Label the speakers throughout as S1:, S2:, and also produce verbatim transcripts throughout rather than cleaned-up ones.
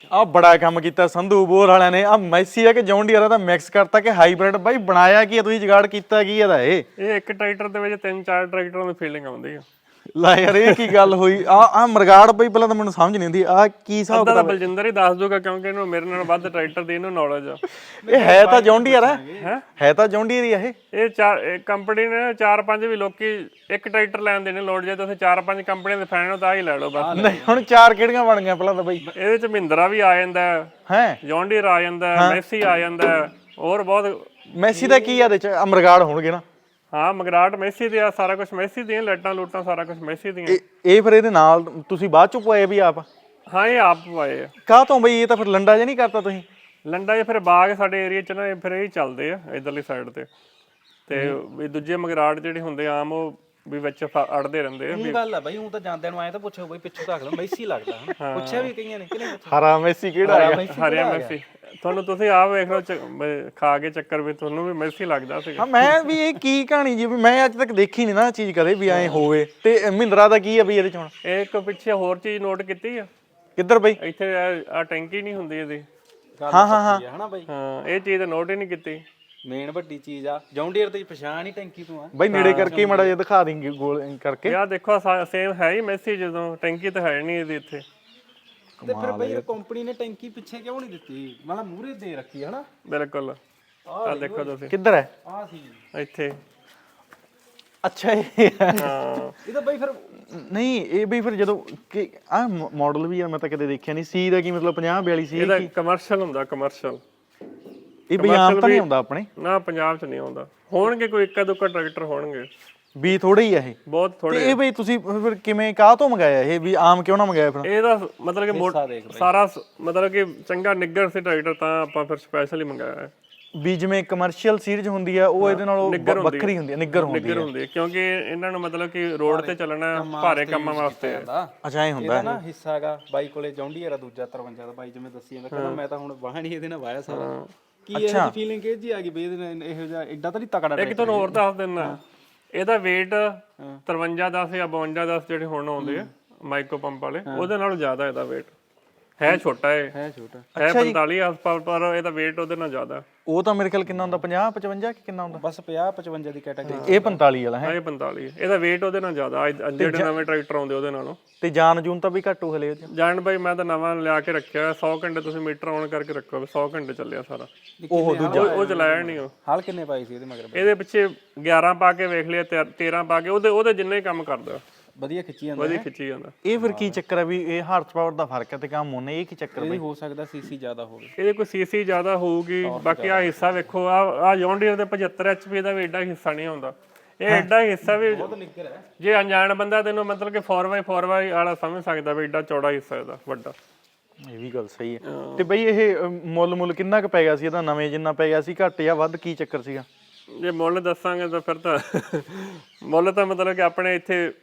S1: ਆ ਬੜਾ ਕੰਮ ਕੀਤਾ ਸੰਧੂ ਬੋਰ ਵਾਲਿਆਂ ਨੇ। ਆ ਮੈਸੀ ਆ ਕਿ ਜੌਨ ਡੀਅਰ ਦਾ ਮਿਕਸ ਕਰਤਾ ਕਿ ਹਾਈਬ੍ਰਿਡ। ਬਾਈ ਬਣਾਇਆ ਕੀ ਆ ਤੁਸੀਂ, ਜੁਗਾੜ ਕੀਤਾ ਕੀ ਇਹਦਾ? ਇਹ
S2: ਇਹ ਇੱਕ ਟਰੈਕਟਰ ਦੇ ਵਿੱਚ ਤਿੰਨ ਚਾਰ ਟਰੈਕਟਰਾਂ ਦੀ ਫੀਲਿੰਗ ਆਉਂਦੀ ਆ।
S1: ਲੈ ਯਾਰ ਇਹ ਕੀ ਗੱਲ ਹੋਈ? ਆ ਆ ਮਰਗਾੜ ਬਈ ਪਹਿਲਾਂ ਤਾਂ ਮੈਨੂੰ ਸਮਝ ਨਹੀਂ ਆਉਂਦੀ ਆ ਕੀ ਹਿਸਾਬ
S2: ਅੱਧਾ ਤਾਂ ਬਲਜਿੰਦਰ ਹੀ ਦੱਸ ਦੂਗਾ ਕਿਉਂਕਿ ਇਹਨੂੰ ਮੇਰੇ ਨਾਲ ਵੱਧ ਟਰੈਕਟਰ ਦੀ ਇਹਨੂੰ ਨੌਲੇਜ ਆ।
S1: ਇਹ ਹੈ ਤਾਂ ਜੌਨ ਡੀਅਰ ਹੈ ਹੈ ਤਾਂ ਜੌਨ ਡੀਅਰ ਹੀ ਆ ਇਹ।
S2: ਇਹ ਚਾਰ ਕੰਪਨੀ ਨੇ ਚਾਰ ਪੰਜ ਵੀ ਲੋਕੀ ਇੱਕ ਟਰੈਕਟਰ ਲੈਣ ਦੇ ਨੇ ਲੋੜ, ਜੇ ਤੁਸੀਂ ਚਾਰ ਪੰਜ ਕੰਪਨੀਆਂ ਦੇ ਫੈਨ ਹੋ ਤਾਂ ਹੀ ਲੈ ਲਓ ਬਸ।
S1: ਨਹੀਂ ਹੁਣ ਚਾਰ ਕਿਹੜੀਆਂ ਬਣ ਗਈਆਂ ਪਹਿਲਾਂ ਤਾਂ ਬਈ?
S2: ਇਹਦੇ ਚ ਮਹਿੰਦਰਾ ਵੀ ਆ ਜਾਂਦਾ
S1: ਹੈ,
S2: ਜੌਨ ਡੀਅਰ ਆ ਜਾਂਦਾ, ਮੈਸੀ ਆ ਜਾਂਦਾ, ਹੋਰ ਬਹੁਤ।
S1: ਮੈਸੀ ਦਾ ਕੀ ਆ ਇਹਦੇ ਚ? ਮਰਗਾੜ ਹੋਣਗੇ ਨਾ?
S2: ਹਾਂ ਮਗਰਾਟ ਮੈਸੀ ਦੇ ਆ, ਸਾਰਾ ਕੁਝ ਮੈਸੀ ਦੀਆਂ, ਲਾਈਟਾਂ ਲੂਟਾਂ ਸਾਰਾ ਕੁਝ ਮੈਸੀ ਦੀਆਂ।
S1: ਇਹ ਫਿਰ ਇਹਦੇ ਨਾਲ ਤੁਸੀਂ ਬਾਅਦ ਚੋਂ ਪਵਾਏ ਵੀ ਆਪ?
S2: ਹਾਂ ਇਹ ਆਪ ਪਾਏ ਆ।
S1: ਕਾਹ ਤੋਂ ਬਈ? ਇਹ ਤਾਂ ਫਿਰ ਲੰਡਾ ਜਿਹਾ ਨਹੀਂ ਕਰਤਾ ਤੁਸੀਂ?
S2: ਲੰਡਾ ਜੇ ਫਿਰ ਬਾਗ ਸਾਡੇ ਏਰੀਆ ਚ ਨਾ ਫਿਰ ਇਹ ਚੱਲਦੇ ਆ ਇਧਰਲੀ ਸਾਈਡ ਤੇ, ਤੇ ਵੀ ਦੂਜੇ ਮਗਰਾਟ ਜਿਹੜੇ ਹੁੰਦੇ ਆਮ ਉਹ ਵੀ ਵਿੱਚ ਅੜਦੇ ਰਹਿੰਦੇ ਆ।
S3: ਇਹ ਗੱਲ ਆ ਬਾਈ, ਹੁਣ ਤਾਂ ਜਾਂਦਿਆਂ ਨੂੰ ਆਏ ਤਾਂ ਪੁੱਛੋ ਬਈ ਪਿੱਛੋਂ ਤੱਕ ਲਓ ਮੈਸੀ ਲੱਗਦਾ ਹਨਾ, ਪੁੱਛਿਆ ਵੀ ਕਈਆਂ ਨੇ ਕਿ ਨਹੀਂ ਪੁੱਛਿਆ
S1: ਹਰਾ ਮੈਸੀ ਕਿਹੜਾ ਹੈ?
S2: ਹਰਿਆ ਮੈਸੀ ਤੁਹਾਨੂੰ ਤੁਸੀਂ ਆਪ ਵੇਖ ਲਓ ਖਾ ਕੇ ਚੱਕਰ ਵੀ ਤੁਹਾਨੂੰ ਵੀ ਮੈਸੀ ਲੱਗਦਾ ਸੀਗਾ।
S1: ਹਾਂ ਮੈਂ ਵੀ ਇਹ ਕੀ ਕਹਾਣੀ ਜੀ, ਵੀ ਮੈਂ ਅੱਜ ਤੱਕ ਦੇਖੀ ਨਹੀਂ ਨਾ ਚੀਜ਼ ਕਦੇ ਵੀ ਐ ਹੋਵੇ। ਤੇ ਮਹਿੰਦਰਾ ਦਾ ਕੀ ਆ ਬਈ ਇਹਦੇ ਚ ਹੁਣ?
S2: ਇਹ ਇੱਕ ਪਿੱਛੇ ਹੋਰ ਚੀਜ਼ ਨੋਟ ਕੀਤੀ ਆ?
S1: ਕਿੱਧਰ ਬਈ?
S2: ਇੱਥੇ ਆ ਟੈਂਕੀ ਨਹੀਂ ਹੁੰਦੀ ਇਹਦੀ।
S3: ਹਾਂ ਹਾਂ ਹਾਂ ਹਨਾ ਬਾਈ,
S2: ਹਾਂ ਇਹ ਚੀਜ਼ ਤਾਂ ਨੋਟ ਹੀ ਨਹੀਂ ਕੀਤੀ।
S3: ਮੇਨ ਵੱਡੀ ਚੀਜ਼ ਆ ਜੌਨ ਡੀਅਰ ਦੀ ਪਛਾਣ ਹੀ ਟੈਂਕੀ ਤੋਂ ਆ
S1: ਬਈ। ਨੇੜੇ ਕਰਕੇ ਮਾੜਾ ਜਿਹਾ ਦਿਖਾ ਦੇਂਗੇ ਗੋਲ ਕਰਕੇ।
S2: ਯਾਰ ਦੇਖੋ ਸੇਮ ਹੈ ਹੀ ਮੈਸੀ, ਜਦੋਂ ਟੈਂਕੀ ਤਾਂ ਹੈ ਨਹੀਂ ਇਹਦੀ ਇੱਥੇ।
S3: ਤੇ ਫਿਰ ਬਈ ਕੰਪਨੀ ਨੇ ਟੈਂਕੀ ਪਿੱਛੇ ਕਿਉਂ ਨਹੀਂ ਦਿੱਤੀ, ਮਤਲਬ ਮੂਹਰੇ ਦੇ ਰੱਖੀ ਹਨਾ?
S2: ਬਿਲਕੁਲ ਆ ਦੇਖੋ ਤੁਸੀਂ
S1: ਕਿੱਧਰ ਹੈ?
S3: ਆ ਸੀ
S2: ਇੱਥੇ।
S1: ਅੱਛਾ ਇਹ
S2: ਹਾਂ
S3: ਇਹ ਤਾਂ ਬਈ ਫਿਰ
S1: ਨਹੀਂ ਇਹ ਬਈ ਫਿਰ ਜਦੋਂ ਕਿ ਆ ਮਾਡਲ ਵੀ ਆ, ਮੈਂ ਤਾਂ ਕਦੇ ਦੇਖਿਆ ਨਹੀਂ। ਸੀ ਦਾ ਕੀ ਮਤਲਬ ਪੰਜਾਹ ਬਿਆਲੀ ਸੀ?
S2: ਇਹਦਾ ਕਮਰਸ਼ੀਅਲ ਹੁੰਦਾ, ਕਮਰਸ਼ੀਅਲ।
S1: ਇਹ ਬਈ ਆਮ ਤਾਂ ਨਹੀਂ ਆਉਂਦਾ ਆਪਣੇ?
S2: ਨਾ ਪੰਜਾਬ ਚ ਨਹੀਂ ਆਉਂਦਾ। ਹੋਣਗੇ ਕੋਈ ਇੱਕਾ ਦੁੱਕਾ ਟਰੈਕਟਰ ਹੋਣਗੇ,
S1: ਵੀ ਥੋੜੇ ਹੀ ਆ ਇਹ
S2: ਬਹੁਤ ਥੋੜੇ।
S1: ਤੇ ਇਹ ਬਈ ਤੁਸੀਂ ਫਿਰ ਕਿਵੇਂ ਕਾਹ ਤੋਂ ਮੰਗਾਇਆ ਇਹ, ਵੀ ਆਮ ਕਿਉਂ ਨਾ ਮੰਗਾਇਆ ਫਿਰ?
S2: ਇਹਦਾ ਮਤਲਬ ਕਿ ਮੋਟ ਸਾਰਾ ਮਤਲਬ ਕਿ ਚੰਗਾ ਨਿੱਗਰ ਸੀ ਟਰੈਕਟਰ, ਤਾਂ ਆਪਾਂ ਫਿਰ ਸਪੈਸ਼ਲੀ ਮੰਗਾਇਆ ਹੈ।
S1: ਵੀ ਜਿਵੇਂ ਕਮਰਸ਼ੀਅਲ ਸੀਰੀਜ਼ ਹੁੰਦੀ ਆ ਉਹ ਇਹਦੇ ਨਾਲੋਂ ਵੱਖਰੀ ਹੁੰਦੀ ਆ, ਨਿੱਗਰ ਹੁੰਦੀ
S2: ਨਿੱਗਰ ਹੁੰਦੀ ਹੈ ਕਿਉਂਕਿ ਇਹਨਾਂ ਨੂੰ ਮਤਲਬ ਕਿ ਰੋਡ ਤੇ ਚੱਲਣਾ ਭਾਰੇ ਕੰਮਾਂ ਵਾਸਤੇ ਹੈ।
S1: ਅੱਛਾ ਇਹ ਹੁੰਦਾ
S3: ਨਾ ਹਿੱਸਾ ਹੈਗਾ ਬਾਈ ਕੋਲੇ ਜੌਨ ਡੀਅਰ ਆ ਦੂਜਾ ਤਰਵੰਜਾ ਦਾ, ਬਾਈ ਜਿਵੇਂ ਦੱਸੀ ਜਾਂਦਾ ਕਹਿੰਦਾ ਮੈਂ ਤਾਂ ਹੁਣ ਵਾਹਣ ਹੀ ਇਹਦੇ ਨਾਲ ਵਾਇਆ ਸਾਰਾ। ਕੀ ਇਹਦੀ ਫੀਲਿੰਗ ਕਿਹ ਜੀ ਆ ਗਈ ਬਈ ਇਹਦੇ ਨਾਲ ਇਹੋ ਜਿਹਾ ਐਡਾ ਤਾਂ ਨਹੀਂ ਤਕੜਾ?
S2: ਇੱਕ ਤੁਹਾਨੂੰ ਹੋਰ ਦੱਸ ਦਿੰਦਾ, ਇਹਦਾ weight ਤਰਵੰਜਾ ਦਸ ਜਾਂ ਬਵੰਜਾ ਦਸ ਜਿਹੜੇ ਹੁਣ ਆਉਂਦੇ ਆ ਮਾਈਕਰੋ ਪੰਪ ਵਾਲੇ, ਉਹਦੇ ਨਾਲੋਂ ਜ਼ਿਆਦਾ ਇਹਦਾ weight ਹੈ। ਛੋਟਾ ਹੈ,
S3: ਹੈ ਛੋਟਾ
S2: ਹੈ ਪੰਤਾਲੀ ਆਸ-ਪਾਸ, ਪਰ ਇਹਦਾ weight ਉਹਦੇ ਨਾਲ ਜ਼ਿਆਦਾ।
S1: ਉਹ ਤਾਂ ਮੇਰੇ ਖਿਆਲ ਕਿੰਨਾ ਹੁੰਦਾ, ਪੰਜਾਹ ਪਚਵੰਜਾ ਕਿ ਕਿੰਨਾ ਹੁੰਦਾ?
S3: ਬਸ ਪੰਜਾਹ ਪਚਵੰਜਾ ਦੀ ਕੈਟਾਗਰੀ।
S1: ਇਹ ਪੰਤਾਲੀ ਵਾਲਾ ਹੈ?
S2: ਇਹ ਪੰਤਾਲੀ, ਇਹਦਾ weight ਉਹਦੇ ਨਾਲ ਜ਼ਿਆਦਾ। ਜਿਹੜੇ ਨਵੇਂ ਟਰੈਕਟਰ ਆਉਂਦੇ ਉਹਦੇ ਨਾਲੋਂ।
S1: ਤੇ ਜਾਨ ਜੂਨ ਤਾਂ ਵੀ ਘੱਟ ਹੋ ਹਲੇ ਉਹਦੇ?
S2: ਜਾਨ ਬਾਈ ਮੈਂ ਤਾਂ ਨਵਾਂ ਲਿਆ ਕੇ ਰੱਖਿਆ, ਸੌ ਘੰਟੇ ਤੁਸੀਂ ਮੀਟਰ ਆਨ ਕਰਕੇ ਰੱਖੋ, ਸੌ ਘੰਟੇ ਚੱਲਿਆ ਸਾਰਾ।
S1: ਉਹ ਦੂਜਾ
S2: ਉਹ ਚਲਾਇਆ ਨਹੀਂ ਉਹ।
S3: ਹਾਲ ਕਿੰਨੇ ਪਾਈ ਸੀ ਇਹਦੇ ਮਗਰ?
S2: ਇਹਦੇ ਪਿੱਛੇ ਗਿਆਰਾਂ ਪਾ ਕੇ ਵੇਖ ਲਿਆ, ਤੇਰਾਂ ਪਾ ਕੇ, ਉਹਦੇ ਉਹਦੇ ਜਿੰਨੇ ਹੀ ਕੰਮ ਕਰਦਾ,
S3: ਵਧੀਆ ਖਿੱਚੀ ਜਾਂਦਾ,
S2: ਵਧੀਆ ਖਿੱਚੀ ਜਾਂਦਾ।
S1: ਇਹ ਫਿਰ ਕੀ ਚੱਕਰ ਹੈ ਵੀ ਇਹ ਹਾਰਸ ਪਾਵਰ ਦਾ ਫਰਕ ਹੈ ਤੇ ਕੰਮ ਉਹਨੇ? ਇਹ ਕੀ ਚੱਕਰ ਬਈ?
S3: ਹੋ ਸਕਦਾ ਸੀਸੀ ਜ਼ਿਆਦਾ ਹੋਵੇ,
S2: ਇਹਦੇ ਕੋਈ ਸੀਸੀ ਜ਼ਿਆਦਾ ਹੋਊਗੀ। ਬਾਕੀ ਆ ਹਿੱਸਾ ਵੇਖੋ, ਆ ਆ ਜੌਨ ਡੀਅਰ ਦੇ ਪਝੱਤਰ ਐਚਪੀ ਦਾ ਵੀ ਏਡਾ ਹਿੱਸਾ ਨਹੀਂ ਆਉਂਦਾ। ਇਹ ਏਡਾ ਹਿੱਸਾ ਵੀ ਜੇ ਅਣਜਾਣ ਬੰਦਾ ਤੈਨੂੰ ਮਤਲਬ ਕਿ ਫੋਰ ਬਾਈ ਫੋਰ ਬਾਈ ਵਾਲਾ ਸਮਝ ਸਕਦਾ ਵੀ ਏਡਾ ਚੌੜਾ ਹਿੱਸਾ ਇਹਦਾ ਵੱਡਾ।
S1: ਇਹ ਵੀ ਗੱਲ ਸਹੀ ਹੈ। ਤੇ ਬਈ ਇਹ ਮੁੱਲ ਮੁੱਲ ਕਿੰਨਾ ਕੁ ਪੈ ਗਿਆ ਸੀ ਇਹਦਾ? ਨਵੇਂ ਜਿੰਨਾ ਪੈ ਗਿਆ ਸੀ, ਘੱਟ ਜਾਂ ਵੱਧ, ਕੀ ਚੱਕਰ ਸੀਗਾ?
S2: ਜੇ ਮੁੱਲ ਦੱਸਾਂਗੇ ਤਾਂ ਫਿਰ ਤਾਂ ਮੁੱਲ ਤਾਂ ਮਤਲਬ ਕਿ ਆਪਣੇ ਇੱਥੇ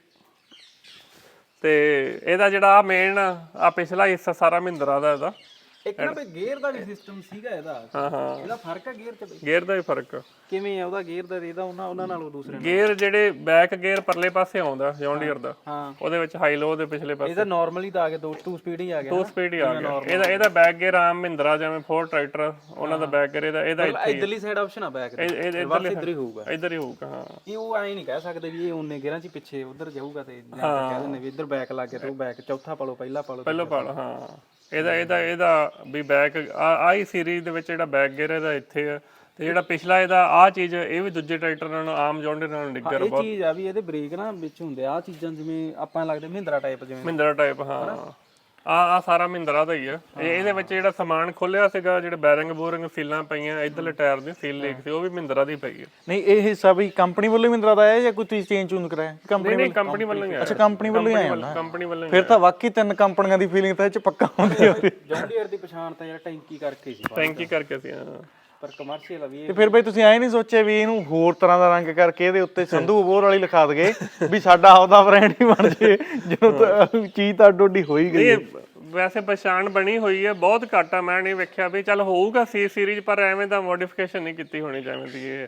S2: ਤੇ ਇਹਦਾ ਜਿਹੜਾ ਆ ਮੇਨ ਆ ਪਿਛਲਾ ਹਿੱਸਾ ਸਾਰਾ ਮਹਿੰਦਰਾ ਦਾ ਇਹਦਾ।
S3: ਇੱਕ ਨਾ ਬਈ ਗੇਅਰ ਦਾ ਵੀ ਸਿਸਟਮ ਸੀਗਾ ਇਹਦਾ।
S2: ਹਾਂ ਹਾਂ
S3: ਇਹਦਾ ਫਰਕ ਹੈ ਗੇਅਰ ਚ?
S2: ਗੇਅਰ ਦਾ ਵੀ ਫਰਕ
S3: ਕਿਵੇਂ ਆ ਉਹਦਾ ਗੇਅਰ ਦਾ? ਇਹਦਾ ਉਹਨਾਂ ਉਹਨਾਂ ਨਾਲੋਂ ਦੂਸਰੇ
S2: ਗੇਅਰ ਜਿਹੜੇ ਬੈਕ ਗੇਅਰ ਪਰਲੇ ਪਾਸੇ ਆਉਂਦਾ ਜੌਨ ਡੀਅਰ ਦਾ,
S3: ਹਾਂ
S2: ਉਹਦੇ ਵਿੱਚ ਹਾਈ ਲੋ ਦੇ ਪਿਛਲੇ ਪਾਸੇ।
S3: ਇਹਦਾ ਨਾਰਮਲੀ ਤਾਂ ਆ ਗਿਆ ਦੋ ਟੂ ਸਪੀਡ ਹੀ ਆ ਗਿਆ,
S2: ਦੋ ਸਪੀਡ ਹੀ ਆ ਗਿਆ ਇਹਦਾ। ਇਹਦਾ ਬੈਕ ਗੇਅਰ ਆਮ ਮਹਿੰਦਰਾ ਜਿਵੇਂ ਫੋਰ ਟਰੈਕਟਰ ਉਹਨਾਂ ਦਾ ਬੈਕ ਗੇਅਰ, ਇਹਦਾ ਇਹਦਾ ਇੱਥੇ
S3: ਇਧਰਲੀ ਸਾਈਡ ਆਪਸ਼ਨ ਆ ਬੈਕ ਦੇ,
S2: ਇੱਧਰ
S3: ਇੱਧਰ ਹੀ ਹੋਊਗਾ।
S2: ਇੱਧਰ ਹੀ ਹੋਊਗਾ ਹਾਂ।
S3: ਇਹ ਉਹ ਐਂ ਨਹੀਂ ਕਹਿ ਸਕਦੇ ਵੀ ਇਹ ਉਹਨੇ ਗੇਅਰਾਂ ਚ ਪਿੱਛੇ ਉਧਰ ਜਾਊਗਾ ਤੇ ਜਾਂ ਤਾਂ ਕਹਿ ਦਿੰਦੇ ਵੀ ਇੱਧਰ ਬੈਕ ਲੱਗ ਗਿਆ ਤੇ ਉਹ ਬੈਕ ਚੌਥਾ ਪਾਲੋ ਪਹਿਲਾ ਪਾਲੋ
S2: ਪਹਿਲੋ ਪਾਲ। ਹਾਂ ਇਹਦਾ ਇਹਦਾ ਇਹਦਾ ਵੀ ਬੈਕ ਆਹੀ ਸੀਰੀਜ਼ ਦੇ ਵਿੱਚ ਜਿਹੜਾ ਬੈਕ ਗੇਅਰ ਇਹਦਾ ਇੱਥੇ ਆ, ਤੇ ਜਿਹੜਾ ਪਿਛਲਾ ਇਹਦਾ ਆਹ ਚੀਜ਼ ਇਹ ਵੀ ਦੂਜੇ ਟਰੈਕਟਰ ਨਾਲੋਂ ਆਮ ਜੌਨ ਡੀਅਰ ਨਾਲੋਂ ਨਿੱਗਰ
S3: ਇਹ ਚੀਜ਼ ਆ ਵੀ ਇਹਦੇ ਬ੍ਰੇਕ ਨਾ ਵਿੱਚ ਹੁੰਦੇ ਆ ਚੀਜ਼ਾਂ, ਜਿਵੇਂ ਆਪਾਂ ਲੱਗਦੇ ਮਹਿੰਦਰਾ ਟਾਈਪ, ਜਿਵੇਂ
S2: ਮਹਿੰਦਰਾ ਟਾਈਪ। ਹਾਂ ਆ ਆ ਸਾਰਾ ਮਹਿੰਦਰਾ ਦਾ ਹੀ ਆ। ਇਹ ਇਹਦੇ ਵਿੱਚ ਜਿਹੜਾ ਸਮਾਨ ਖੋਲਿਆ ਸੀਗਾ, ਜਿਹੜੇ ਬੈਰਿੰਗ ਬੋਰਿੰਗ ਸੀਲਾਂ ਪਈਆਂ, ਇਧਰਲੇ ਟਾਇਰ ਦੀ ਸੀਲ ਲੀਕ ਸੀ, ਉਹ ਵੀ ਮਹਿੰਦਰਾ ਦੀ ਪਈ ਹੈ।
S1: ਨਹੀਂ ਇਹ ਹਿੱਸਾ ਬਈ ਕੰਪਨੀ ਵੱਲੋਂ ਮਹਿੰਦਰਾ ਦਾ ਆਇਆ ਜਾਂ ਕੋਈ ਤੁਸੀਂ ਚੇਂਜ ਚੂਨ ਕਰਾਇਆ? ਕੰਪਨੀ
S2: ਨਹੀਂ ਕੰਪਨੀ ਵੱਲੋਂ ਹੀ ਆਇਆ।
S1: ਅੱਛਾ ਕੰਪਨੀ ਵੱਲੋਂ ਹੀ ਆਇਆ ਹੁੰਦਾ।
S2: ਕੰਪਨੀ ਵੱਲੋਂ
S1: ਫਿਰ ਤਾਂ ਵਾਕਈ ਤਿੰਨ ਕੰਪਨੀਆਂ ਦੀ ਫੀਲਿੰਗ ਤਾਂ ਇਹ ਚ ਪੱਕਾ ਹੁੰਦੀ ਹੋਵੇ।
S3: ਜੌਨ ਡੀਅਰ ਦੀ ਪਛਾਣ ਤਾਂ ਯਾਰ ਟੈਂਕੀ ਕਰਕੇ ਸੀ,
S2: ਟੈਂਕੀ ਕਰਕੇ ਸੀ। ਹਾਂ
S3: ਪਰ ਕਮਰਸ਼ੀਅਲ ਆ ਵੀ
S1: ਤੇ ਫਿਰ ਬਈ ਤੁਸੀਂ ਐ ਨਹੀਂ ਸੋਚਿਆ ਵੀ ਇਹਨੂੰ ਹੋਰ ਤਰ੍ਹਾਂ ਦਾ ਰੰਗ ਕਰਕੇ ਇਹਦੇ ਉੱਤੇ ਸੰਧੂ ਬੋਰ ਵਾਲੀ ਲਿਖਾ ਦਗੇ ਵੀ ਸਾਡਾ ਆਪਦਾ ਬ੍ਰਾਂਡ ਹੀ ਬਣ ਜੇ, ਜਦੋਂ ਚੀਜ਼ ਤਾਂ ਡੋਡੀ ਹੋ ਹੀ ਗਈ?
S2: ਵੈਸੇ ਪਛਾਣ ਬਣੀ ਹੋਈ ਹੈ, ਬਹੁਤ ਘੱਟ ਆ। ਮੈਂ ਨਹੀਂ ਵੇਖਿਆ ਵੀ ਚੱਲ ਹੋਊਗਾ ਸੀ ਸੀਰੀਜ਼, ਪਰ ਐਵੇਂ ਦਾ ਮੋਡੀਫਿਕੇਸ਼ਨ ਨਹੀਂ ਕੀਤੀ ਹੋਣੀ ਜਿਵੇਂ ਦੀ ਇਹ।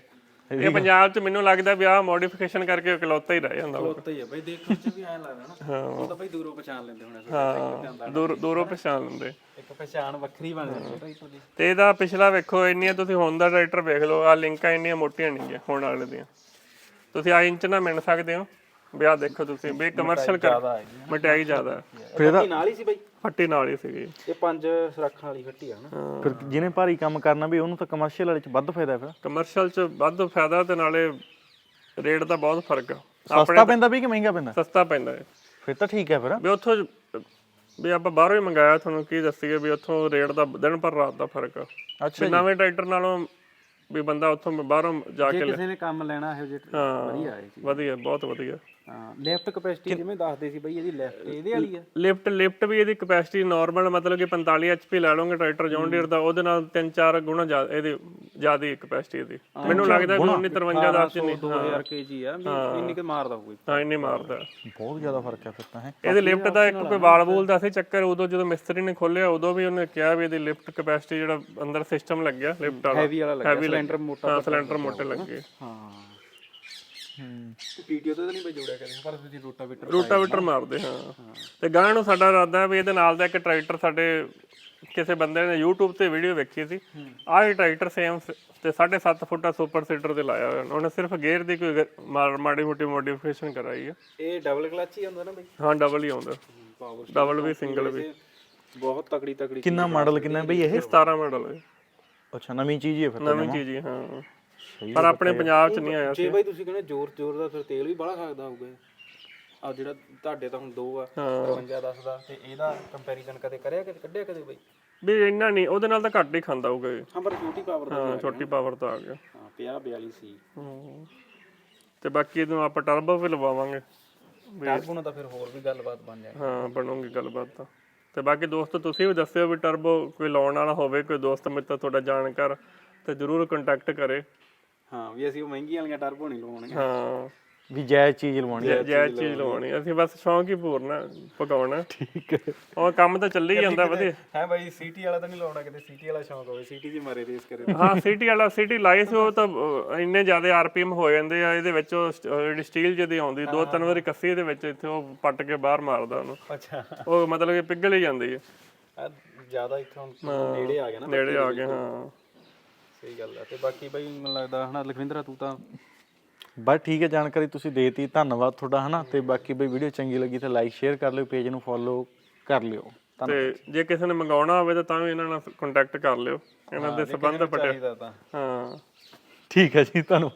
S2: ਇਹ ਪੰਜਾਬ 'ਚ ਮੈਨੂੰ ਲੱਗਦਾ ਵੀ ਆਹ ਮੋਡੀਫਿਕੇਸ਼ਨ ਕਰਕੇ ਇਕਲੌਤਾ ਹੀ ਰਹਿ ਜਾਂਦਾ ਵਾ।
S3: ਉੱਤੇ ਹੀ ਆ ਬਈ, ਦੇਖਣ ਚ ਵੀ ਐਂ ਲੱਗਦਾ ਨਾ ਉਹ ਤਾਂ ਬਈ ਦੂਰੋਂ ਪਛਾਣ ਲੈਂਦੇ ਹੋਣੇ
S2: ਹਾਂ ਦੂਰ ਦੂਰੋਂ ਪਛਾਣ ਲੈਂਦੇ।
S3: ਇੱਕ ਪਛਾਣ ਵੱਖਰੀ ਬਣ ਜਾਂਦੀ ਹੈ ਟਰੈਕਟਰ ਦੀ।
S2: ਤੇ ਇਹਦਾ ਪਿਛਲਾ ਵੇਖੋ, ਇੰਨੀਆਂ ਤੁਸੀਂ ਹੁਣ ਦਾ ਟਰੈਕਟਰ ਵੇਖ ਲਓ, ਆ ਲਿੰਕਾਂ ਇੰਨੀਆਂ ਮੋਟੀਆਂ ਨਹੀਂ ਗਿਆ ਹੁਣ ਵਾਲੇ ਦੀਆਂ, ਤੁਸੀਂ ਆ ਇੰਚ ਨਾਲ ਮਿਣ ਸਕਦੇ ਹੋ ਵੀ ਆਹ ਦੇਖੋ ਤੁਸੀਂ ਵੀ ਕਮਰਸ਼ੀਅਲ ਕਰ ਮਟਿਆਈ ਜ਼ਿਆਦਾ ਹੈ।
S1: ਫਿਰ ਇਹਦਾ
S3: ਨਾਲ ਹੀ ਸੀ ਬਈ,
S2: ਫੱਟੀ ਨਾਲ ਹੀ ਸੀਗੀ
S3: ਇਹ ਪੰਜ ਰੱਖਣ ਵਾਲੀ ਫੱਟੀ ਆ ਨਾ।
S1: ਫਿਰ ਜਿਹਨੇ ਭਾਰੀ ਕੰਮ ਕਰਨਾ ਵੀ ਉਹਨੂੰ ਤਾਂ ਕਮਰਸ਼ੀਅਲ ਵਾਲੇ ਚ ਵੱਧ ਫਾਇਦਾ ਫਿਰ।
S2: ਕਮਰਸ਼ੀਅਲ 'ਚ ਵੱਧ ਫਾਇਦਾ ਤੇ ਨਾਲੇ ਰੇਟ ਦਾ ਬਹੁਤ ਫਰਕ ਆ।
S1: ਸਸਤਾ ਪੈਂਦਾ ਵੀ ਕਿ ਮਹਿੰਗਾ ਪੈਂਦਾ?
S2: ਸਸਤਾ ਪੈਂਦਾ ਹੈ
S1: ਫਿਰ ਤਾਂ ਠੀਕ ਹੈ ਫਿਰ।
S2: ਵੀ ਉੱਥੋਂ ਵੀ ਆਪਾਂ ਬਾਹਰੋਂ ਹੀ ਮੰਗਾਇਆ, ਤੁਹਾਨੂੰ ਕੀ ਦੱਸੀਏ ਵੀ ਉੱਥੋਂ ਰੇਟ ਦਾ ਦਿਨ ਪਰ ਰਾਤ ਦਾ ਫਰਕ ਆ।
S1: ਅੱਛਾ
S2: ਵੀ ਨਵੇਂ ਟਰੈਕਟਰ ਨਾਲੋਂ ਵੀ ਬੰਦਾ ਉੱਥੋਂ ਬਾਹਰੋਂ ਜਾ ਕੇ
S3: ਕਿਸੇ ਨੇ ਕੰਮ ਲੈਣਾ ਇਹੋ ਜਿਹਾ ਵਧੀਆ ਹੈ ਜੀ।
S2: ਵਧੀਆ, ਬਹੁਤ ਵਧੀਆ।
S3: ਹਾਂ ਲੈਫਟ ਕਪੈਸਿਟੀ ਜਿਵੇਂ ਦੱਸਦੇ ਸੀ ਬਈ ਇਹਦੀ ਲੈਫਟ ਇਹਦੇ ਵਾਲੀ ਆ।
S2: ਲਿਫਟ ਲਿਫਟ ਵੀ ਇਹਦੀ ਕਪੈਸਿਟੀ ਨਾਰਮਲ ਮਤਲਬ ਕਿ ਪੰਤਾਲੀ ਐਚਪੀ ਲੈ ਲਓਗੇ ਟਰੈਕਟਰ ਜੌਨ ਡੀਅਰ ਦਾ, ਉਹਦੇ ਨਾਲ ਤਿੰਨ ਚਾਰ ਗੁਣਾ ਜ਼ਿਆਦਾ ਇਹਦੀ ਜ਼ਿਆਦਾ ਕਪੈਸਿਟੀ ਇਹਦੀ। ਮੈਨੂੰ ਲੱਗਦਾ ਵੀ ਉੱਨੀ ਤਰਵੰਜਾ ਦਾ ਨਹੀਂ
S3: ਦੋ ਹਜ਼ਾਰ ਕੇਜੀ ਆ ਵੀ ਇੰਨੀ ਕਿ ਮਾਰਦਾ ਹੋਊਗਾ।
S2: ਹਾਂ ਇੰਨੀ ਮਾਰਦਾ,
S1: ਬਹੁਤ ਜ਼ਿਆਦਾ ਫਰਕ ਹੈ ਫਿਰ ਤਾਂ ਹੈ।
S2: ਇਹਦੇ ਲਿਫਟ ਦਾ ਇੱਕ ਕੋਈ ਵਾਲ ਵੂਲ ਦਾ ਸੀ ਚੱਕਰ, ਉਦੋਂ ਜਦੋਂ ਮਿਸਤਰੀ ਨੇ ਖੋਲਿਆ ਉਦੋਂ ਵੀ ਉਹਨੇ ਕਿਹਾ ਵੀ ਇਹਦੀ ਲਿਫਟ ਕਪੈਸਿਟੀ ਜਿਹੜਾ ਅੰਦਰ ਸਿਸਟਮ ਲੱਗਿਆ ਲਿਫਟ ਵਾਲਾ
S3: ਹੈਵੀ ਵਾਲਾ ਲੱਗਿਆ, ਸਿਲੰਡਰ ਮੋਟਾ।
S2: ਹਾਂ ਸਿਲੰਡਰ ਮੋਟੇ ਲੱਗੇ।
S3: ਹਾਂ ਹੂੰ ਪੀਟੀਓ ਤੇ ਤਾਂ ਨਹੀਂ ਬਈ ਜੋੜਿਆ ਕਦੇ, ਪਰ ਤੁਸੀਂ ਰੋਟਾਵੇਟਰ
S2: ਰੋਟਾਵੇਟਰ ਮਾਰਦੇ ਹਾਂ। ਤੇ ਗਾਂ ਨੂੰ ਸਾਡਾ ਇਰਾਦਾ ਵੀ ਇਹਦੇ ਨਾਲ ਦਾ ਇੱਕ ਟਰੈਕਟਰ ਸਾਡੇ ਕਿਸੇ ਬੰਦੇ ਨੇ YouTube ਤੇ ਵੀਡੀਓ ਵੇਖੀ ਸੀ, ਆਹ ਹੀ ਟਰੈਕਟਰ ਸੇਮ ਤੇ ਸਾਢੇ ਸੱਤ ਫੁੱਟਾ ਸੁਪਰ ਸੀਟਰ ਤੇ ਲਾਇਆ ਹੋਇਆ ਉਹਨੇ, ਸਿਰਫ ਗੇਅਰ ਦੀ ਕੋਈ ਮਾੜੀ ਮੋਟੀ ਮੋਡੀਫਿਕੇਸ਼ਨ ਕਰਾਈ ਹੈ।
S3: ਇਹ ਡਬਲ ਕਲਚ ਹੀ ਹੁੰਦਾ ਨਾ ਬਈ?
S2: ਹਾਂ ਡਬਲ ਹੀ ਆਉਂਦਾ, ਡਬਲ ਵੀ ਸਿੰਗਲ ਵੀ।
S3: ਬਹੁਤ ਤਕੜੀ ਤਕੜੀ।
S1: ਕਿੰਨਾ ਮਾਡਲ ਕਿੰਨਾ ਬਈ ਇਹ?
S2: ਸਤਾਰਾਂ ਮਾਡਲ ਹੈ।
S1: ਅੱਛਾ ਨਵੀਂ ਚੀਜ਼ ਹੀ ਹੈ ਫਿਰ।
S2: ਨਵੀਂ ਚੀਜ਼ ਹੀ ਹਾਂ, ਪਰ ਆਪਣੇ ਪੰਜਾਬ 'ਚ ਨਹੀਂ ਆਇਆ ਸੀ।
S3: ਜੇ ਬਾਈ ਤੁਸੀਂ ਕਹਿੰਦੇ ਜ਼ੋਰ ਜ਼ੋਰ ਦਾ ਫਿਰ ਤੇਲ ਵੀ ਬੜਾ ਖਾਦਾ ਹੋਊਗਾ ਆ ਜਿਹੜਾ ਤੁਹਾਡੇ ਤਾਂ ਹੁਣ ਦੋ ਆ ਤਰਵੰਜਾ ਦਸ ਦਾ, ਤੇ ਇਹਦਾ ਕੰਪੈਰੀਜ਼ਨ ਕਦੇ ਕਰਿਆ ਕਦੇ ਕੱਢਿਆ ਕਦੇ ਬਾਈ?
S2: ਵੀ ਇੰਨਾ ਨਹੀਂ, ਉਹਦੇ ਨਾਲ ਤਾਂ ਘੱਟ ਹੀ ਖਾਂਦਾ ਹੋਊਗਾ ਇਹ।
S3: ਹਾਂ ਪਰ ਛੋਟੀ ਪਾਵਰ ਦਾ
S2: ਹਾਂ ਛੋਟੀ ਪਾਵਰ ਤਾਂ ਆ ਗਿਆ।
S3: ਹਾਂ ਪੰਜਾਹ ਬਿਆਲੀ ਸੀ।
S2: ਤੇ ਬਾਕੀ ਇਹਨੂੰ ਆਪਾਂ ਟਰਬੋ ਵੀ ਲਵਾਵਾਂਗੇ,
S3: ਟਰਬੋ ਨਾਲ ਤਾਂ ਫਿਰ ਹੋਰ ਵੀ ਗੱਲਬਾਤ ਬਣ ਜਾਏ।
S2: ਹਾਂ ਬਣੂਗੀ ਗੱਲਬਾਤ ਤਾਂ। ਤੇ ਬਾਕੀ ਦੋਸਤੋ ਤੁਸੀਂ ਵੀ ਦੱਸਿਓ ਵੀ ਟਰਬੋ ਕੋਈ ਲਾਉਣ ਵਾਲਾ ਹੋਵੇ, ਕੋਈ ਦੋਸਤ ਮਿੱਤਰ ਤੁਹਾਡਾ ਜਾਣਕਾਰ, ਤੇ ਜ਼ਰੂਰ ਕੰਟੈਕਟ ਕਰੇ। ਹਾਂ
S3: ਵੀ ਅਸੀਂ ਉਹ ਮਹਿੰਗੀਆਂ ਵਾਲੀਆਂ ਟਰਬੋ ਨਹੀਂ ਲਵਾਉਣੀਆਂ।
S2: ਹਾਂ
S1: ਵੀ ਜਾਇਜ਼ ਚੀਜ਼ ਲਵਾਉਣੀ ਹੈ।
S2: ਜਾਇਜ਼ ਚੀਜ਼ ਲਵਾਉਣੀ, ਅਸੀਂ ਬਸ ਸ਼ੌਂਕ ਹੀ ਪੂਰਨਾ ਪਕਾਉਣਾ। ਠੀਕ ਹੈ, ਉਹ ਕੰਮ ਤਾਂ ਚੱਲੀ ਜਾਂਦਾ ਵਧੀਆ।
S3: ਹੈ ਬਾਈ ਸੀਟੀ ਵਾਲਾ ਤਾਂ ਨਹੀਂ ਲਾਉਣਾ ਕਿਤੇ? ਸੀਟੀ ਵਾਲਾ ਸ਼ੌਂਕ ਹੋਵੇ, ਸੀਟੀ 'ਚ ਮਾਰੇ ਰੇਸ ਕਰੇ।
S2: ਹਾਂ ਸੀਟੀ ਵਾਲਾ, ਸੀਟੀ ਲਾਈ ਸੀ ਉਹ ਤਾਂ ਇੰਨੇ ਜ਼ਿਆਦਾ ਆਰਪੀਐਮ ਹੋ ਜਾਂਦੇ ਆ ਇਹਦੇ ਵਿੱਚ। ਉਹ ਜਿਹੜੀ ਸਟੀਲ ਜਿਹਦੀ ਆਉਂਦੀ ਦੋ ਤਿੰਨ ਵਾਰੀ ਕੱਸੀ ਇਹਦੇ ਵਿੱਚ, ਇੱਥੇ ਉਹ ਪੱਟ ਕੇ ਬਾਹਰ ਮਾਰਦਾ ਉਹਨੂੰ।
S3: ਅੱਛਾ
S2: ਉਹ ਮਤਲਬ ਕਿ ਪਿਘਲ ਹੀ ਜਾਂਦੀ ਹੈ
S3: ਜ਼ਿਆਦਾ। ਇੱਥੋਂ ਨੇੜੇ ਆ ਗਿਆ ਨਾ,
S2: ਨੇੜੇ ਆ ਗਏ। ਹਾਂ
S3: ਸਹੀ ਗੱਲ ਆ। ਤੇ ਬਾਕੀ ਬਾਈ ਮੈਨੂੰ ਲੱਗਦਾ ਹਨਾ ਲਖਵਿੰਦਰਾ ਤੂੰ ਤਾਂ
S1: ਬਸ ਠੀਕ ਹੈ, ਜਾਣਕਾਰੀ ਤੁਸੀਂ ਦੇਤੀ, ਧੰਨਵਾਦ ਤੁਹਾਡਾ ਹਨਾ। ਤੇ ਬਾਕੀ ਬਈ ਵੀਡੀਓ ਚੰਗੀ ਲੱਗੀ ਤਾਂ ਲਾਈਕ ਸ਼ੇਅਰ ਕਰ ਲਿਓ, ਪੇਜ ਨੂੰ ਫੋਲੋ ਕਰ ਲਿਓ।
S2: ਤੇ ਜੇ ਕਿਸੇ ਨੇ ਮੰਗਾਉਣਾ ਹੋਵੇ ਤਾਂ ਤਾਂ ਵੀ ਇਹਨਾਂ ਨਾਲ ਕੰਟੈਕਟ ਕਰ ਲਿਓ, ਇਹਨਾਂ ਦੇ ਸੰਬੰਧ ਪਟਿਆ।
S3: ਤਾਂ
S2: ਹਾਂ
S1: ਠੀਕ ਹੈ ਜੀ, ਧੰਨਵਾਦ।